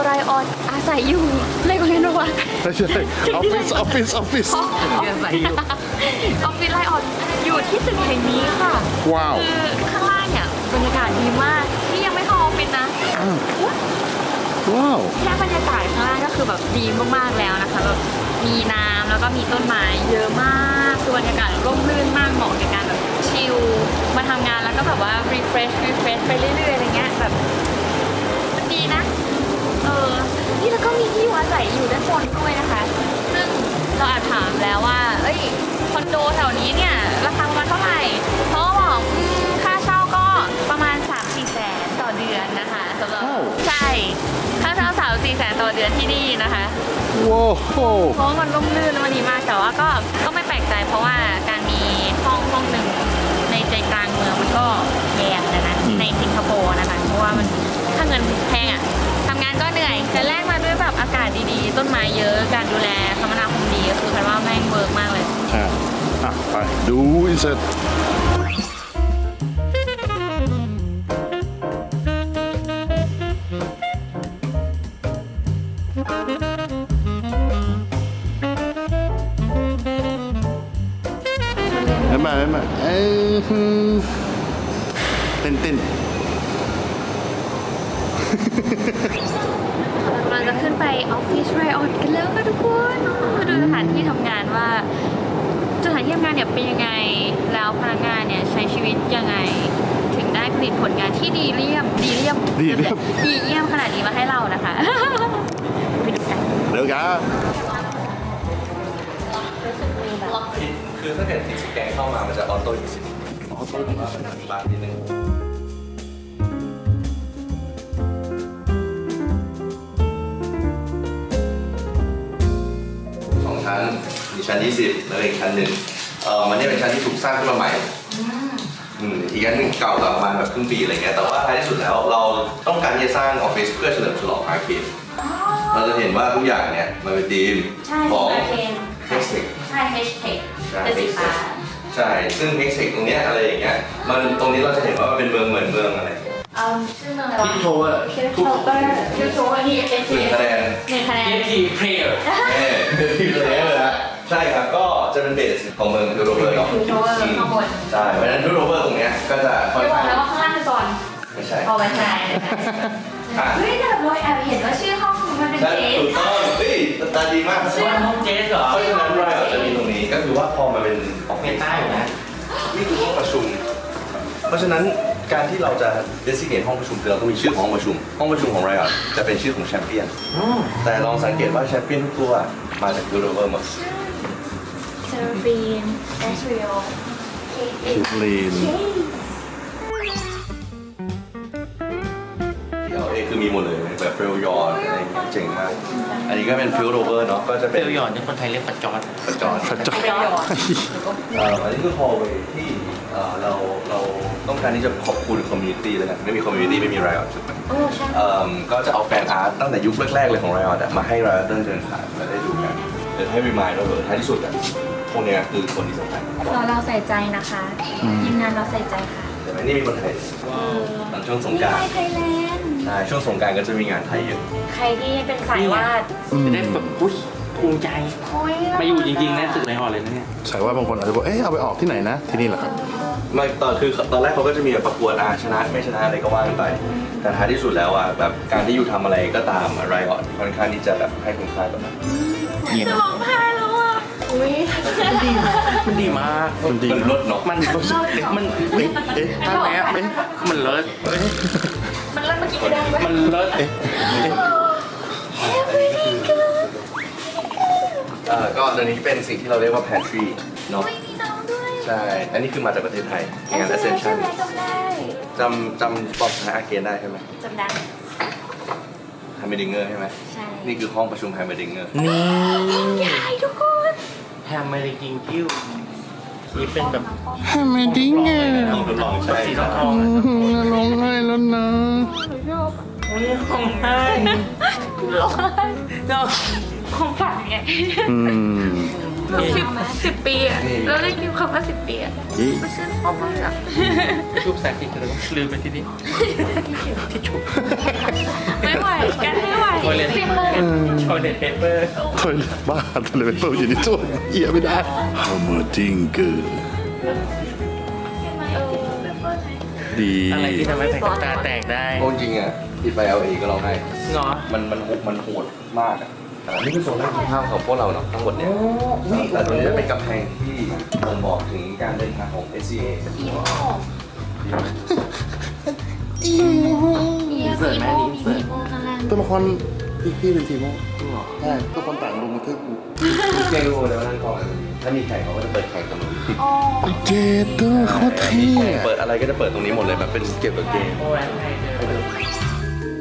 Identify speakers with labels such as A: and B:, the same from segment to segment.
A: ไรออนอาศัยอยู่เลยกว่าเรียนว่า
B: ไม่ใช่ออฟฟิศ
A: ออฟฟิศไรออนอยู่ที่ตึกแห่งนี้ค่ะ
B: ว้าว
A: คือข้างล่างเนี่ยบรรยากาศดีมากนี่ยังไม่เข้าออฟฟิศนะ
B: ว้าว
A: แค่บรรยากาศข้างล่างก็คือแบบดีมากๆแล้วนะคะแบบมีน้ำแล้วก็มีต้นไม้เยอะมากคือบรรยากาศร่มรื่นมากเหมาะในการแบบชิลมาทำงานแล้วก็แบบว่า refresh ไปเรื่อยๆอะไรเงี้ยแบบมันดีนะนี่แล้วก็มีที่อยู่อาศัยอยู่ด้านบนด้วยนะคะ ซึ่งเราอาจถามแล้วว่าเอ้ยคอนโดแถวนี้เนี่ยราคาประมาณเท่าไหร่เขาก็บอกค่าเช่าก็ประมาณ 3-4 แสนต่อเดือนนะคะสำหรับใช่ค่าเช่า3-4 แสนต่อเดือนที่นี่นะคะ
B: ว้าว
A: เพราะว่ามันร่มรื่นและมันดีมากแต่ว่าก็ไม่แปลกใจเพราะว่าการมีห้องหนึ่งในใจกลางเมืองมันก็แพงนะในสิงคโปร์นะคะเพราะว่ามันถ้าเงินแพงอะทำงานก็เหนื่อยแต่แลกมาด้วยแบบอากาศดีๆต้นไม้เยอะการดูแลคมนาคมดีก็คือแปลว่าแม่งเวิร์กมากเลย
B: ใช่ไปดูอินเสิร์ตไม่มาเต้น
A: เราจะขึ้นไปออฟฟิศไรออนกันแล้วค่ะทุกคนมาดูสถานที่ทำงานว่าสถานที่ทำงานเนี่ยเป็นยังไงแล้วพนักงานเนี่ยใช้ชีวิตยังไงถึงได้ผลิตผลงานที่ดีเยี่ยมขนาดนี้มาให้เรานะคะไปดูกัน
B: เดี๋ยวกัน
C: คือถ้าเกิดที่สแกนเข้ามามันจะออโต้อินสิออโต้ผมว่ามันมีบ้างนิดนึง2 ชั้นมีชั้น 20 แล้วอีกชั้นหนึ่งมันนี่เป็นชั้นที่ถูกสร้างขึ้นมาใหม่อีกอันหนึ่งเก่ากว่าประมาณแบบครึ่งปีอะไรเงี้ยแต่ว่าท้ายที่สุดแล้วเราต้องการที่จะสร้างออฟฟิศเพื่อเฉลิมฉลองอาร์เคดเราจะเห็นว่าทุกอย่างเนี่ยมันเป็นธีมของเฮสเทค
A: ใช่เฮชเทคเป็นสีฟ้า
C: ใช่ซึ่งเฮกเซกตรงเนี้ยอะไรอย่างเงี้ยมันตรงนี้เราจะเห็นว่ามันเป็นเมืองเหมือนเมืองอะไร
A: ชื่อเมืองอะไรวะ
D: คิดโทเวอร์
A: คิดโทเวอร์นี่เอที
C: 1 คะแนน
A: 1 คะแนน
D: ทีเพลเยอร์
C: ทีมเลยนะใช่ครับก็จะเป็นเบสของเมืองดูโรเวอร์เนาะ
A: คิดโทเวอร์ข้างบน
C: ใช่เพราะฉะนั้นดูโรเวอร์ตรงเนี้ยก็จะค่อน
A: จะบอก
C: ข้าง
A: แล้วว่าข้างล่างคือก่อน
C: ไม่ใช่
A: เอาไว้ใช่เฮ้ยแต่แบบเราแอบเห็นว่าชื่อห้องมันเป็น
C: ใช่
A: เจส
C: ถูกต้องเฮ้ยตาดีมาก
D: ชื่อห้องเจสเหรอ
C: เพราะฉะนั้นเราจะมีตรงนี้ก็คือว่าพอมาเป็นออฟ
D: เม
C: ฟิศ
D: ตาอยู่นะ
C: นี่คือห้องประชุมเพราะฉะนั้นการที่เราจะ designate ห้องประชุมคือเราต้องมีชื่อของห้องประชุมของเราจะเป็นชื่อของแชมเปี้ยนแต่ลองสังเกตว่าแชมเปี้ยนทุกตัวมาจากยูโรเวอร์หมด
A: เซอร์ฟีนแอชริโอ
B: ลีน
C: คือมีหมดเลยแบบเฟลยอนอะไรอย่างเงี้ยเจ๋งมากอันนี้ก็เป็นฟิลโรเวอร์เนาะก็จะ
D: เฟ
C: เป็น
D: ลยอนที่คนไทยเรียกปัจจอน
C: ประจอน
B: พระเจ้า
C: อันนี้คือ hallway ที่เราต้องการที่จะขอบคุณคอมมูนิตี้เลยกันไม่มีคอมมูนิตี้ไม่มีไรออดจุดไหมก็จะเอาแฟนอาร์ตตั้งแต่ยุคแรกๆเลยของไรออดมาให้ไรออดเดินผ่านมาได้ดูกันเดี๋ยวให้รีมายด์เราเลยท้ายที่สุดอ่ะพวกเนี้ยคือคนที่สำคัญ
A: เราใส่ใจนะคะทีมงานเราใส่ใจค่ะ
C: แต่ไม่นี่มีคนไทยตอนช่วงสงกรานต์
A: ไทยแลนด์
C: ใช่ช่วงสงกรานต์ก็จะมีงานไทยเยอะ
A: ใครที่เป็นสายวาด
D: จะได้แบบอุ้ยภูมิใจ
A: โอ้ย
D: มาอยู่จริงๆนะตึกในหอเลยนะเนี่ย
B: ใช่ว่าบางคนอาจจะบอกเอาไปออกที่ไหนนะที่นี่แหละครับ
C: ไม่ตอนแรกเขาก็จะมีแบบประกวดชนะไม่ชนะอะไรก็ว่ากันไป แต่ท้ายที่สุดแล้วอ่ะแบบการที่อยู่ทำอะไรก็ตามอะไรก่อนค่อนข้างที่จะแบบให้คุณค่ากับมัน
D: เนี่ย
A: จะร้องไห้แล้วอ่ะอุ้ย
D: มันดีมาก
B: มันดี
C: มันลดเนาะ
D: มันมัน
A: ท่านไหนอ่ะ
D: มันเลิศ
A: มันเริ่มเมื่อกี้ก็ได้ไหม
D: มันเลิศ
C: ก็ตอนนี้เป็นสิ่งที่เราเรียกว่า pantry เนาะ
A: ไม่มีน้องด้วย
C: ใช่ อันนี้คือมาจากประเทศไทยงาน Ascension จำปอบอาเกนได้ใช่ไหม
A: จำได้
C: ไฮเมดิงเกอร์ใช่ไหม
A: ใช่
C: นี่คือห้องประชุมไฮเมดิงเกอร์
D: นี่
A: ใหญ่ทุกคน
D: แฮมเมริกิงคิวนี่เป็นแบบ
B: ทำไมดิ้งไง
C: ห้องทดลองใช่
D: สีทอง
B: ร้องไห้แล้วนะ
D: โอ้ยห้องไห้
A: ร้องไห้ของฝันไง10 ปีอ่ะเราได้กินคำว่า10 ปีอ่ะไม่ใช่พ่อมากอ่ะ
D: ชุบแสงที่เธอลืมไปที่นี่ที่ชุบ
A: ไม่ไหวกันไม่ไหว
D: ตัวเลนชอยเด็ดเปเปอร์
B: ถอยบ้าทะเลเปิดอยู่ในตู้เอียไม่ได้ฮัมเมอร์ดิงเกอร์ดี
D: อะไรที่ทำให้แผ่นกับตาแตกได้
C: โอ้จริงอ่ะผิดไป LA ก็ร้องไห้
D: เนาะ
C: มันโหดมากอ่ะนี่คือโซนแรกของภาพของพวกเราเนาะทั้งหมดเนี่ยแต่ตรงนี้จะเป็นกำแพงที่บ่งบอกถึงการเดินทางของ SCA
D: เสิร์ฟแม่นี้เสิร์ฟ
B: ตัวละครพี่เป็นทีโม่ใช่ตัวละครต่างลงมาเทือกกู
C: เก่งรู้เลยว่านั่งกองอะไรถ้ามีแข่งเขาก็จะเปิดแข่งตรงนี้
B: เจเตอร์โคตรเท่
C: เปิดอะไรก็จะเปิดตรงนี้หมดเลยแบบเป็นเกี่ยวกับเกม
D: โอ้แอนไทยเจอ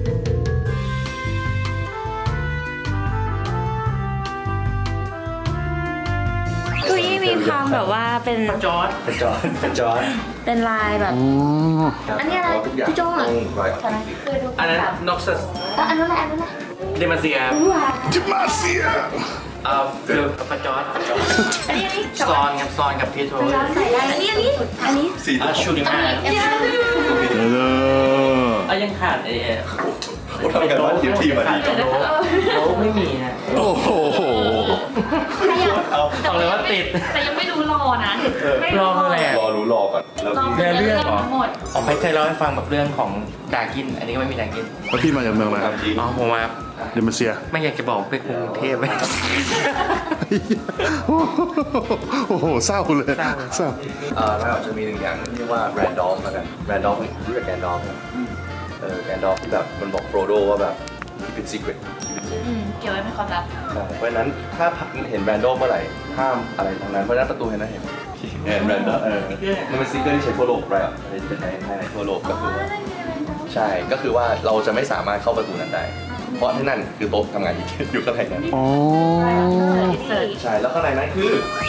A: เก้าอี้มีความแบบว่าเป็น
D: จอร์ด
C: เป็นจอร์ด
A: เป็นลายแบบ
B: อ๋อ
A: อันนี้อะไร
C: ทุกอย่าง
A: พี่โจ้เหรอ
C: ต้องรอย
A: เคยดู
D: อันนั้นน็อกซัส
A: อันนั้นแหละอันนั้นแหละ
D: เดมาเซีย
B: จิมาเซีย
D: ฟิลฟาจอร์ด
A: อันนี้
D: ซอนกับซอนกับพีโทร
A: ใส่ได้อันนี้
C: สี
D: ชูดิมา
A: อันนี้
B: เออ
D: ยังขาด
C: ผมทำกันว่าทีมมาดี
D: โอ้ไม่มีนะ
B: โอ้โห
D: บอกเลยว่าติด
A: แต่ยังไม่รู้รอนะ
D: รอคืออะไรอ่ะ
C: รอรู้รอก่อนแล้ว
D: เนื้อเรื่องเหรอ
A: ทั้งหมด
D: อ๋อไม่เคยเล่าให้ฟังแบบเรื่องของดากิน อันนี้ก็ไม่มีดากิน
B: แล้วพี่มาจากเมืองอะไรครับ
C: จริง
D: อ๋อผมมา
B: เดมาเซีย
D: ไม่อยากจะบอกเป็นกรุงเทพเลย
B: โอ้โหเศร้าเลยเศร้า
C: แล้วจะมีหนึ่งอย่างที่เรียกว่าแรนดอมแล้วกันแรนดอมรู้จักแรนดอมไหมแรนดอมแบบมันบอกโฟรโดว่าแบบเป็นซีเครต
A: เกี่ยวไว้เป็นความลับ
C: เพราะฉะนั้นถ้าเห็นแรนดอมเมื่อไหร่ห้ามอะไรทั้งนั้นเพราะฉะนั้นประตูเห็นนะเห็นแรนดอมมันเป็นซีเกอร์ที่ใช้ทั่วโลกไรอ่ะในทั่วโลกก็คือว่าใช่ก็คือว่าเราจะไม่สามารถเข้าประตูนั้นได้ เพราะที่นั่นคือโต๊ะทำงานอยู่ข้างในนั้น
B: อ๋อ
A: เสิร์ช
C: ใช่แล้วข้างในนั้นคือ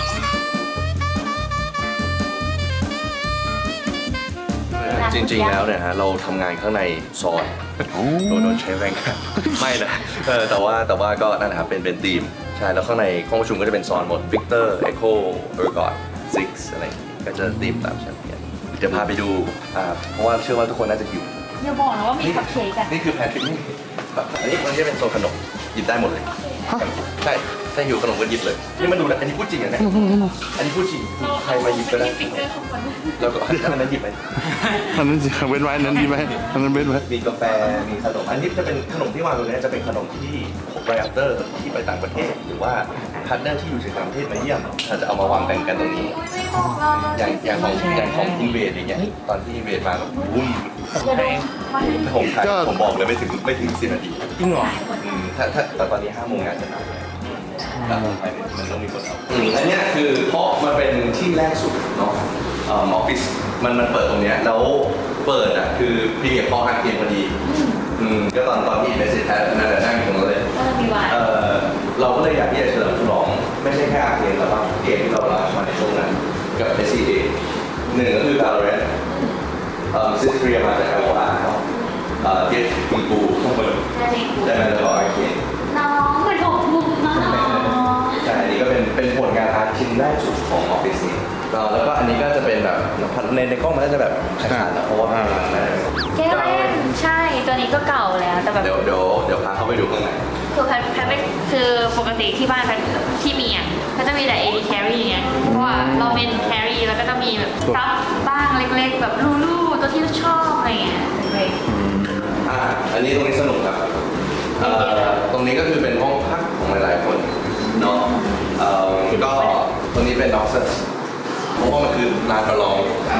C: จริงๆแล้วเนี่ยฮะเราทำงานข้างในซอยโดนใช้แรงงานไม่นะแต่ว่าก็นั่นแหละครับเป็นทีมใช่แล้วข้างในห้องประชุมก็จะเป็นซอนหมด Victor Echo Ergot Six อะไรอย่างงี้ก็จะทีมตามแชมเปี้ยนเดี๋ยวพาไปดูเพราะว่าเชื่อว่าทุกคนน่าจะหิว
A: อย่าบอกนะว่ามีคัพเค้กอะ
C: นี่คือแพนทรินี่อันนี้มันจะเป็นโซนขนมหยิบได้หมดเลยใช่ถ้าหิวขนมก็หยิบเลยนี่มันดูนะอันนี้พูดจริงอ่ะเนี่ยอันนี้พูดจริงใครมาหยิบก็ได้
A: ฟิกเกอร์ของคน
C: แล้วก็อันนั้นหยิบไป
B: อันนั้นสิเว้นไว้อันนั้นดีไหมอันนั้นเว้นไว้
C: มีกาแฟ มีขนม อันนี้จะเป็นขนมที่วางตรงนี้จะเป็นขนมที่ไรอัปเตอร์ที่ไปต่างประเทศ หรือว่าพาร์ทเนอร์ที่อยู่ต่างประเทศมาเยี่ยมเราจะเอามาวางแบ่งกันตรงนี้ อย่างของอินเวดอย่างเงี้ย ตอนที่อินเวดมาแบบวุ้มผมไทยผมบอกเลยไม่ถึง10 นาที
D: จริงเหรอ
C: ถ้าแต่ตอนนี้5 โมงงานจะทำเลยมันต้องมีคนเอาอันเนี้ยคือเพราะมันเป็นที่แรกสุดเนาะออฟฟิศมันเปิดตรงเนี้ยแล้วเปิดอ่ะคือพรีเมียร์พออาร์เกมพอดีก็ตอนที่เบสเซตนั่นแหละนั่งอยู่ตรงนั้นเลย
A: ก็จะมีวาย
C: เราก็เลยอยากที่จะเฉลิมฉลองไม่ใช่แค่อาร์เกมแต่ว่าเกมที่เราลามาในช่วงนั้นกับ SCA หนึ่งก็คือ Valorant ซิสเตรียมาจาก LOR เนาะเกมคุณปูข้างบนได้มาจากอาร์เกม
A: น้องเหมือนผมบุกมา
C: ใช่ อันนี้ก็เป็นผลงานอาร์ตชิ้นแรกสุดของออฟฟิศนี้แล้วก็อันนี้ก็จะเป็นแบบในกล้องมันน่าจะแบบขาดๆนะเพราะว่ามันนานแล้ว
A: แก้วเล่นใช่ ตัวนี้ก็เก่าแล้วแต่แบบ
C: เดี๋ยวพาเข้าไปดูข้างใน
A: คือแพทไม่คือปกติที่บ้านแพทที่มีอ่ะก็จะมีแต่ AD carry ไงเพราะว่าเราเป็น carry แล้วก็จะมีแบบซับบ้างเล็กๆ แบบลูๆตัวที่ชอบอะไรเงี้ยเล็ก
C: อันนี้ตรงนี้สนุกครับตรงนี้ก็คือเป็นห้องพักของหลายๆคนเนาะก็ตรงนี้เป็นด็อกเซอร์เพราะว่ามันคือลานประลอง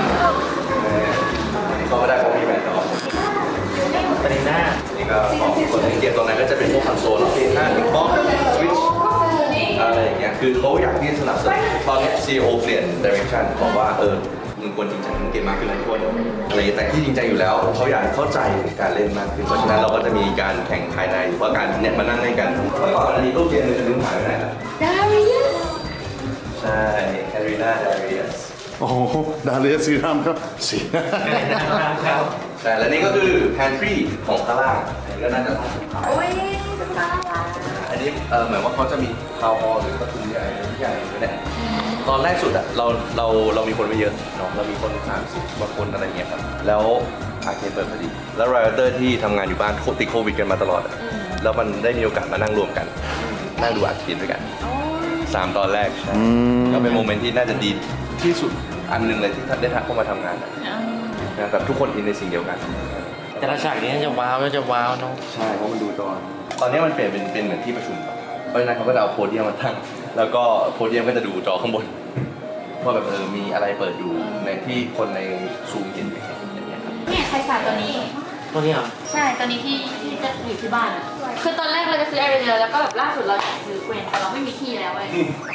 C: ก็ไม่ได้เพราะมีแบรนด์ดอก
D: ปริน่า
C: นี่ก็ของคนเล่นเกมตรงนั้นก็จะเป็นพวกคอนโซลแล้วเพลย์หน้าบิ๊กบ็อกซ์สวิตช์อะไรอย่างเงี้ยคือเขาอยากที่จะสนับสนุนตอนนี้ CEO เปลี่ยน direction บอกว่ามึงควรจริงจังเกมมากขึ้นนะทุกคนอะไรแต่ที่จริงจังอยู่แล้วเขาอยากเข้าใจการเล่นมากขึ้นเพราะฉะนั้นเราก็จะมีการแข่งภายในหรือว่าการเนี่ยมานั่งเล่นกันเมื่อก่อนอันนี้รูปเกมนึงจะลืมหายไปไหนล่ะ
A: Darius
C: ใช่แครีนาดาริอัส
B: โอ้โหดาเลียซีรามครับสี
C: ใช่และนี่ก็คือ pantry ของข้างล่างอันนี้ก็น่าจะ
A: โอ้ยน่ารัก
C: อันนี้เหมือนว่าเขาจะมีทาวน์ฮอลล์หรือประตูใหญ่ทุกอย่างอยู่เนี่ยตอนแรกสุดอะเรามีคนไม่เยอะเนาะเรามีคน30กว่าคนอะไรเงี้ยครับแล้วอาร์เคดเปิดพอดีแล้วไรเตอร์ที่ทำงานอยู่บ้านติดโควิดกันมาตลอดอะแล้วมันได้มีโอกาสมานั่งรวมกันนั่งดูอาทิตย์ด้วยกัน3 ตอนแรกใช่ก็เป็นโมเมนต์ที่น่าจะดีที่สุดอันหนึงเลยที่ได้เข้ามาทำงานนะแบบทุกคนอินในสิ่งเดียวกัน
D: แต่ละฉากนี้จะว้าวเนาะ
C: ใช่เพราะมันดูจอตอนนี้มันเปลี่ยนเป็นเหมือนที่ประชุมครับเพราะฉะนั้นเขาก็จะเอาโพเดียมมาตั้งแล้วก็โพเดียมก็จะดูจอข้างบนว่าแบบมีอะไรเปิดดูในที่คนในซูมเห็นอย่างเงี้ยครับ
A: เนี่ยใครสาตัวนี้
D: ตัวนี้เหรอ
A: ใช่ ตอนนี้ที่จะอยู่ที่บ้านอะคือตอนแรกเราจะซื้อแอร์เรียแล้วก็แบบล่าสุดเราอยากซื้อเกวนแต่เราไม่มีที่แล้วเว้ย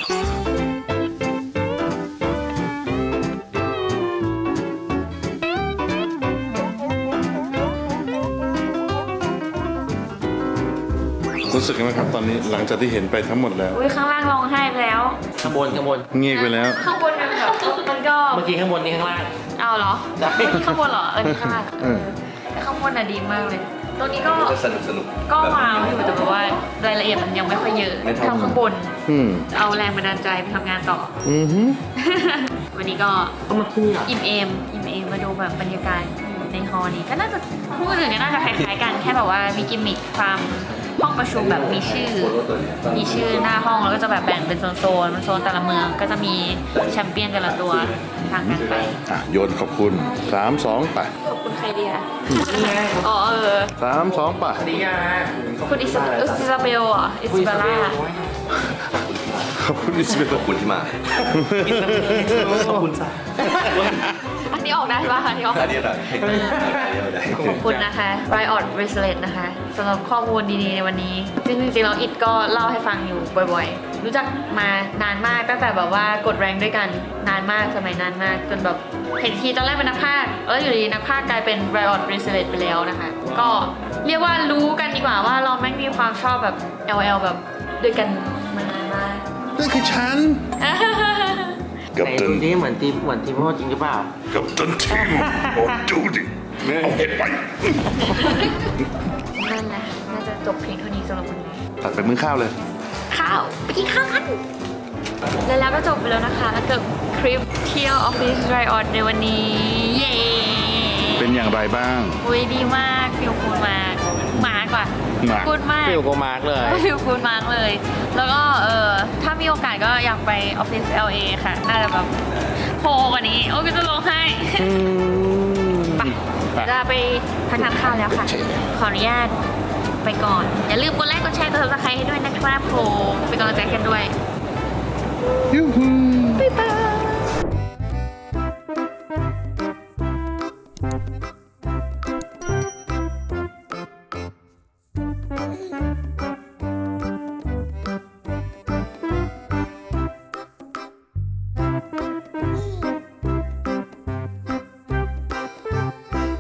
B: รู้สึกยังไงครับตอนนี้หลังจากที่เห็นไปทั้งหมดแล้ว
A: อุ้ยข้างล่างร้องไห้ไปแล้ว
D: ข้างบน
B: เงียบไปแล้ว
A: ข้างบนมันแบบมันก็
D: เมื่อกี้ข้างบนนี่ข้างล่าง
A: เอาเหรอ
D: ได้
A: นี่ข้างบนเหรอนี่ข้างล่าง แต่ข้างบนน่ะดีมากเลย ตรงนี้ก็
C: จะสนุก
A: ก็ว้าวอยู่แต่แบบว่ารายละเอียดมันยังไม่ค่อยเยอะ
C: ไม่เท่า
A: เท่าข้างบน
B: อืม
A: เอาแรงบันดาลใจไปทำงานต่อ
B: อือฮึ
A: วันนี้ก็
D: ก็มาที่นี่เหรอ
A: อิ่มเอมมาดูแบบบรรยากาศในฮอลล์นี้ก็น่าจะพูดถึงก็น่าจะคล้ายๆกันแค่แบบว่ามีกิมมิคความห้องประชุมแบบมีชื่อหน้าห้องแล้วก็จะแบบแบ่งเป็นโซนแต่ละเมืองก็จะมีแชมเปี้ยนแต่ละตัวทางกันไป
B: โยนขอบคุณ3 2ไป
A: ขอบคุณใครดีคะ
D: นี่ไง
A: อ๋อ
B: 3 2ไป
D: สวัสดีค่ะ
A: คุณอิซาเบลอ่ะอิซาเบลล่า
B: ขอบคุณอิสเบล
C: ขอบคุณที่มา
D: ขอบคุณจ้ะ
A: อันนี้ออกได้ป่ะอันนี้ออก
C: อันนี้อะไรอันนี้ไม่ได้
A: ขอบคุณนะคะ Riot Bracelet นะคะสำหรับข้อมูลดีๆในวันนี้จริงๆแล้วอิดก็เล่าให้ฟังอยู่บ่อยๆ รู้จักมานานมากตั้งแต่แบบว่ากดแรงด้วยกันนานมากสมัยนานมากจนแบบเห็นทีตอนแรกเป็นนักพากย์แล้วอยู่ดีนักพากย์กลายเป็น Riot Bracelet ไปแล้วนะคะ ก็เรียกว่ารู้กันดีกว่าว่าเราแม่งมีความชอบแบบ LL แบบด้วยกันมานานมาก
B: นั่นคือฉันกับ
D: ไหน
B: ตั
D: ดู
B: น
D: ดิเหมือนทีมพ่อจริงหรือเปล่า
B: กับตันทีมโอ้ดูดิเอาเห็ดไป
A: นั่นแหละค่ะน่าจะจบเพียงเท่านี้สำหรับวันนี้
B: ตัดไปมื้อข้าวเลย
A: ข้าวไปกินข้าวกันแล้วก็จบไปแล้วนะคะกับคลิปเที่ยวออฟฟิศไรออนในวันนี้ เย้
B: เป็นอย่างไรบ้าง
A: อุ้ยดีมากฟิลคูลมากกว่า
B: มาก
A: คูลมาก
D: ฟิลโกมาร์กเลย
A: ฟิลคูลมากเลย แล้วก็ถ้ามีโอกาสก็อยากไปออฟฟิศ LA ค่ะ น่าจะแบบโผล่กว่านี้ โอ้ก็จะร้องไห้ไปจะไปทานข้าวแล้วค่ะ ขออนุญาตไปก่อน อย่าลืมกดไลค์กดแชร์กด subscribe ให้ด้วยนะครับผมเป็นกำลังใจกันด้วย
B: ยูฮู